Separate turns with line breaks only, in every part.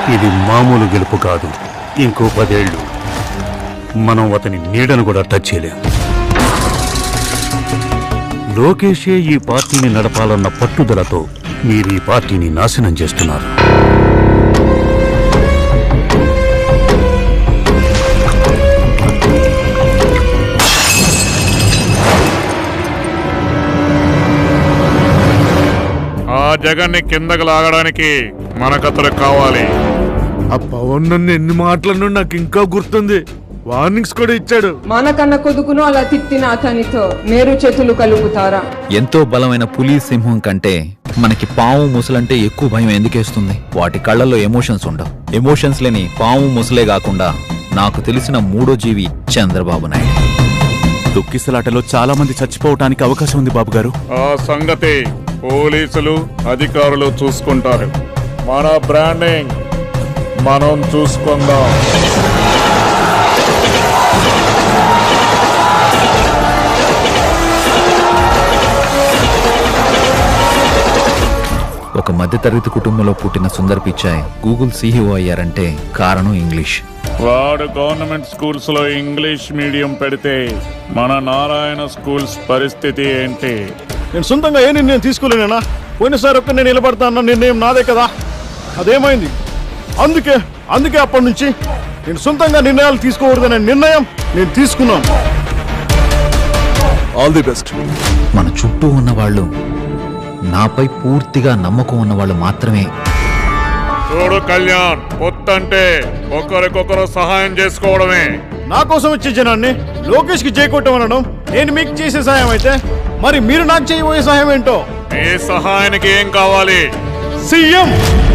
ఇది మామూలు గెలుపు కాదు. ఇంకో 10 ఏళ్ళు మనం అతని నీడను కూడా టచ్ చేయలేం. లోకేషే ఈ పార్టీని నడపాలన్న పట్టుదలతో మీరు ఈ పార్టీని నాశనం చేస్తున్నారు.
ఆ జగన్ని కిందకు లాగడానికి మనకతడు కావాలి.
ఆ పవన్ నన్ను ఎన్ని మాటలను నాకు ఇంకా గుర్తుంది. వార్నింగ్స్ కూడా ఇచ్చాడు.
మానకన్న కొడుకును అలా తిట్టిన అతనితో నేరు చేతులు కలుపుతారా?
ఎంతో బలమైన పులి సింహం కంటే మనకి పాము ముసలంటే ఎక్కువ భయం ఎందుకేస్తుంది? వాటి కళ్ళల్లో ఎమోషన్స్ ఉండవు. ఎమోషన్స్ లేని పాము ముసలే కాకుండా నాకు తెలిసిన మూడో జీవి చంద్రబాబు నాయుడు.
దుక్కిసలాటలో చాలా మంది చచ్చిపోవటానికి అవకాశం ఉంది బాబు గారు.
ఆ సంగతి పోలీసులు అధికారులు చూసుకుంటారు. మన బ్రాండింగ్ మనం చూసుకుందాం.
ఒక మధ్యతరగతి కుటుంబంలో పుట్టిన సుందర్ పిచాయ్ గూగుల్ CEO అయ్యారంటే కారణం ఇంగ్లీష్.
వాడు గవర్నమెంట్ స్కూల్స్ లో ఇంగ్లీష్ మీడియం పెడితే మన నారాయణ స్కూల్స్ పరిస్థితి ఏంటి?
నేను సొంతంగా ఏ నిర్ణయం తీసుకోలేనా? పోయినసారి ఒక్క నేను నిలబడతా అన్న నిర్ణయం నాదే కదా, అదేమైంది? అందుకే అప్పటి నుంచి నేను సొంతంగా నిర్ణయాలు తీసుకోకూడదనే నిర్ణయం నేను తీసుకున్నాను.
All the best.
మన చుట్టూ ఉన్నవాళ్ళు నాపై పూర్తిగా నమ్మకం ఉన్నవాళ్ళు మాత్రమే.
చూడు కళ్యాణ్, పొత్తంటే ఒకరికొకరు సహాయం చేసుకోవడమే.
నా కోసం వచ్చే జనాన్ని లోకేష్ కి చేయకొట్టమనడం నేను మీకు చేసే సహాయం అయితే, మరి మీరు నాకు చేయబోయే సహాయం ఏంటో?
ఈ సహాయానికి ఏం కావాలి?
సీఎం.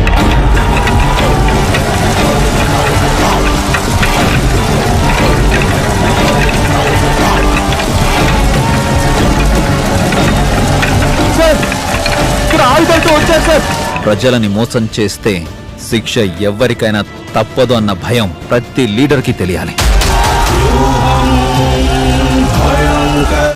ప్రజలని మోసం చేస్తే శిక్ష ఎవ్వరికైనా తప్పదు అన్న భయం ప్రతి లీడర్కి తెలియాలి.